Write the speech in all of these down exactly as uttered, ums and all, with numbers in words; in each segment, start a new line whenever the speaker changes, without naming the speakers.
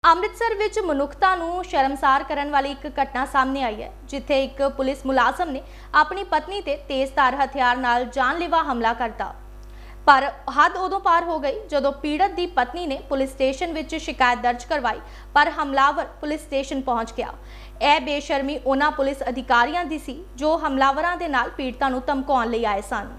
ਅੰਮ੍ਰਿਤਸਰ ਵਿੱਚ ਮਨੁੱਖਤਾ ਨੂੰ ਸ਼ਰਮਸਾਰ ਕਰਨ ਵਾਲੀ ਇੱਕ ਘਟਨਾ ਸਾਹਮਣੇ ਆਈ ਹੈ, ਜਿੱਥੇ ਇੱਕ ਪੁਲਿਸ ਮੁਲਾਜ਼ਮ ਨੇ ਆਪਣੀ ਪਤਨੀ ਤੇ ਤੇਜ਼ਧਾਰ ਹਥਿਆਰ ਨਾਲ ਜਾਨਲੇਵਾ ਹਮਲਾ ਕਰਤਾ। ਪਰ ਹੱਦ ਉਦੋਂ ਪਾਰ ਹੋ ਗਈ ਜਦੋਂ ਪੀੜਤ ਦੀ ਪਤਨੀ ਨੇ ਪੁਲਿਸ ਸਟੇਸ਼ਨ ਵਿੱਚ ਸ਼ਿਕਾਇਤ ਦਰਜ ਕਰਵਾਈ, ਪਰ ਹਮਲਾਵਰ ਪੁਲਿਸ ਸਟੇਸ਼ਨ ਪਹੁੰਚ ਗਿਆ। ਇਹ ਬੇਸ਼ਰਮੀ ਉਹਨਾਂ ਪੁਲਿਸ ਅਧਿਕਾਰੀਆਂ ਦੀ ਸੀ ਜੋ ਹਮਲਾਵਰਾਂ ਦੇ ਨਾਲ ਪੀੜਤਾਂ ਨੂੰ ਧਮਕਾਉਣ ਲਈ ਆਏ ਸਨ।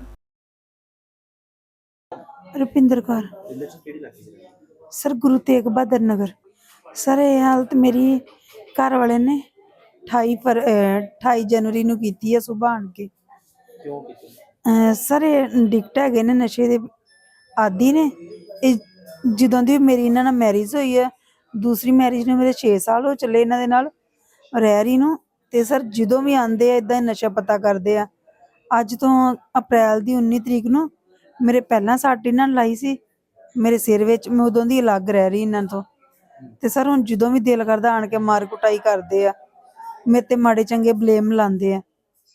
रुपिंदर कौर सर गुरु तेग बहादुर नगर। सर ये हालत मेरी घर वाले ने अठाई पर अठाई जनवरी नूं कीती है सुबह आण के। अ, सर ये डिक्ट है ने नशे दे आदि ने। जदों दी मेरी इन्हां नाल मैरिज हुई है, दूसरी मैरिज नूं मेरे छे साल हो चले इन्हां दे नाल रह रही नूं। ते सर जदों भी आंदे आ इदां नशा पता करदे आ। अज तो अप्रैल दी उन्नी तरीक नूं मेरे पहला सट इन्हां ने लाई सी मेरे सिर विच। मैं उदों दी अलग रह रही इन्हां तो। ते सर हुण जदों भी दिल करदा आण के मार कुटाई करदे आ, मेरे ते माड़े चंगे ब्लेम लांदे आ।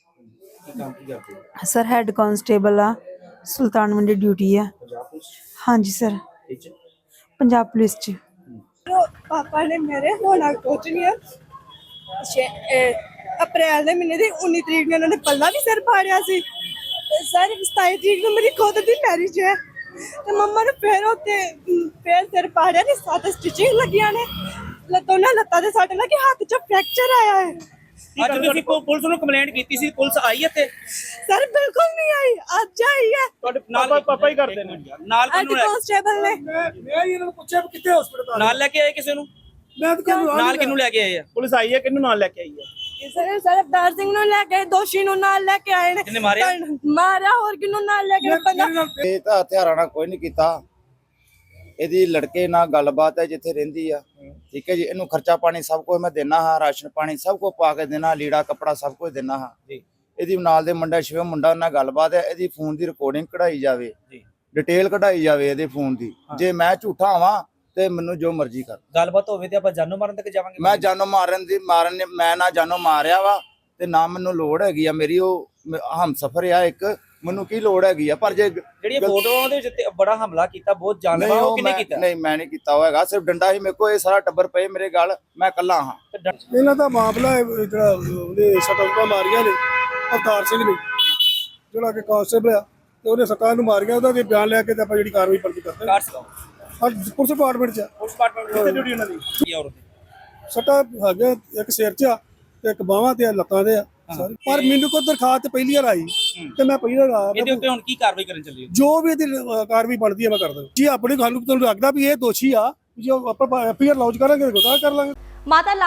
सर हैड कांस्टेबल आ, सुल्तान मंडी ड्यूटी है। हाँ जी सर, पंजाब पुलिस च।
पापा ने मेरे होना कुछ नहीं है। अप्रैल के महीने की उन्नी तरीक ने उन्होंने पल्ला भी सिर फाड़िया सी। सर सताई तरीक को मेरी खुद की मैरिज है। तो मम्मा ने फिर उत्ते फिर सिर फाड़िया ने सत्त स्टिचिंग लगिया ने दोनों लत्तां ते सट लगी, हाथ च फ्रैक्चर आया है।
ਅੱਜ ਤੁਸੀਂ ਪੁਲਿਸ ਨੂੰ ਕੰਪਲੇਂਟ ਕੀਤੀ ਸੀ, ਪੁਲਿਸ ਆਈ ਇੱਥੇ?
सर बिल्कुल नहीं आई, आज आई है।
ਤੁਹਾਡੇ ਨਾਲ ਪਾਪਾ ਹੀ ਕਰਦੇ ਨੇ ਨਾਲ
हेड
ਕਿਹਨੂੰ
कांस्टेबल ने
ਮੈਂ ਇਹਨਾਂ ਨੂੰ ਪੁੱਛਿਆ ਵੀ ਕਿੱਥੇ ਹਸਪੀਟਲ
ਨਾਲ ਲੈ ਕੇ ਆਏ ਕਿਸੇ ਨੂੰ?
ਮੈਂ ਤਾਂ ਕਿਹਨੂੰ
ਨਾਲ ਕਿਹਨੂੰ ਲੈ ਕੇ ਆਏ ਆ? ਪੁਲਿਸ ਆਈ ਹੈ, ਕਿਹਨੂੰ ਨਾਲ ਲੈ ਕੇ ਆਈ ਹੈ?
सर सर अवतार सिंह नु लेके दोषी नु नाल लेके आए ने।
किन्ने मारिया?
मारा और किन्नु नाल लेके पता
ਇਹ ਤਾਂ ਹਥਿਆਰਾਂ ਨਾਲ ਕੋਈ ਨਹੀਂ ਕੀਤਾ। ਇਹਦੀ ਲੜਕੇ ਨਾਲ ਗੱਲਬਾਤ ਹੈ, ਜਿੱਥੇ ਰਹਿੰਦੀ ਆ ਠੀਕ ਹੈ ਜੀ। ਇਹਨੂੰ ਖਰਚਾ ਪਾਣੀ ਸਭ ਕੁਝ ਮੈਂ ਦੇਣਾ ਹਾਂ, ਰਾਸ਼ਨ ਪਾਣੀ ਸਭ ਕੁਝ ਪਾ ਕੇ ਦੇਣਾ, ਲੀੜਾ ਕੱਪੜਾ ਸਭ ਕੁਝ ਦੇਣਾ ਹਾਂ ਜੀ। ਇਹਦੀ ਨਾਲ ਦੇ ਮੁੰਡਾ ਸ਼ਿਵ ਮੁੰਡਾ ਨਾਲ ਗੱਲਬਾਤ ਹੈ, ਇਹਦੀ ਫੋਨ ਦੀ ਰਿਕਾਰਡਿੰਗ ਕਢਾਈ ਜਾਵੇ ਜੀ, ਡਿਟੇਲ ਕਢਾਈ ਜਾਵੇ ਇਹਦੇ ਫੋਨ ਦੀ। ਜੇ ਮੈਂ ਝੂਠਾ ਆਵਾਂ ਤੇ ਮੈਨੂੰ ਜੋ ਮਰਜ਼ੀ ਕਰ।
ਗੱਲਬਾਤ ਹੋਵੇ ਤੇ ਆਪਾਂ ਜਾਨੋਂ ਮਾਰਨ ਤੱਕ ਜਾਵਾਂਗੇ।
ਮੈਂ ਜਾਨੋਂ ਮਾਰਨ ਦੀ ਮਾਰਨ ਮੈਂ ਨਾ ਜਾਨੋਂ ਮਾਰਿਆ ਵਾ ਤੇ ਨਾ ਮੈਨੂੰ ਲੋੜ ਹੈਗੀ ਆ। ਮੇਰੀ ਉਹ ਹਮਸਫਰ ਆ ਇੱਕ, ਮੈਨੂੰ ਕੀ ਲੋੜ ਹੈਗੀ ਆ। ਪਰ ਜੇ
ਜਿਹੜੀ ਫੋਟੋਆਂ ਦੇ ਵਿੱਚ ਬੜਾ ਹਮਲਾ ਕੀਤਾ, ਬਹੁਤ ਜਾਨਲੇਵਾ, ਉਹ ਕਿਹਨੇ ਕੀਤਾ?
ਨਹੀਂ ਮੈਂ ਨਹੀਂ ਕੀਤਾ ਹੋਏਗਾ, ਸਿਰਫ ਡੰਡਾ ਹੀ ਮੇਰੇ ਕੋਲ। ਇਹ ਸਾਰਾ ਟੱਬਰ ਪਏ ਮੇਰੇ ਗਲ, ਮੈਂ ਇਕੱਲਾ ਹਾਂ।
ਇਹਨਾਂ ਦਾ ਮਾਮਲਾ ਹੈ ਜਿਹੜਾ ਉਹਨੇ ਸੱਟਾਂ ਮਾਰੀਆਂ ਨੇ ਅਵਤਾਰ ਸਿੰਘ ਨੇ, ਜਿਹੜਾ ਕਿ ਕਾਂਸਟੇਬਲ ਆ, ਤੇ ਉਹਨੇ ਸੱਟਾਂ ਨੂੰ ਮਾਰੀਆਂ। ਉਹਦਾ ਜੇ ਬਿਆਨ ਲੈ ਕੇ ਤੇ ਆਪਾਂ ਜਿਹੜੀ ਕਾਰਵਾਈ ਪਰਦੀ ਕਰਦੇ ਹਾਂ। ਅੱਜ ਪੁਲਿਸ ਡਿਪਾਰਟਮੈਂਟ ਚ
ਉਸ ਡਿਪਾਰਟਮੈਂਟ ਦੀ ਡਿਊਟੀ ਉਹਨਾਂ ਦੀ ਕੀ ਔਰ
ਸੱਟਾਂ ਹੈਗੇ, ਇੱਕ ਸਿਰ ਚ ਆ ਤੇ ਇੱਕ ਬਾਹਾਂ ਤੇ ਆ, ਲੱਤਾਂ ਤੇ ਆ ਸਾਰੀ। ਪਰ ਮੈਨੂੰ ਕੋਈ ਦਰਖਾਸਤ ਪਹਿਲੀ ਵਾਰ ਆਈ ਤੇ ਮੈਂ ਪਹਿਲੀ ਵਾਰ ਆ
ਇਹਦੇ ਉੱਤੇ ਹੁਣ ਕੀ ਕਾਰਵਾਈ ਕਰਨ ਚੱਲੀ ਹੈ?
ਜੋ ਵੀ ਇਹਦੀ ਅ, ਕਾਰਵਾਈ ਬਣਦੀ ਹੈ ਮੈਂ ਕਰ ਦਾਂ ਜੀ। ਆਪਣੀ ਗੱਲ ਨੂੰ ਤੁਹਾਨੂੰ ਲੱਗਦਾ ਵੀ ਇਹ ਦੋਸ਼ੀ ਆ, ਜੇ ਆਪਾਂ ਐਫ ਆਈ ਆਰ ਲੌਂਚ ਕਰਾਂਗੇ ਤਾਂ ਕਰ ਲਾਂਗੇ।
ਮਾਤਾ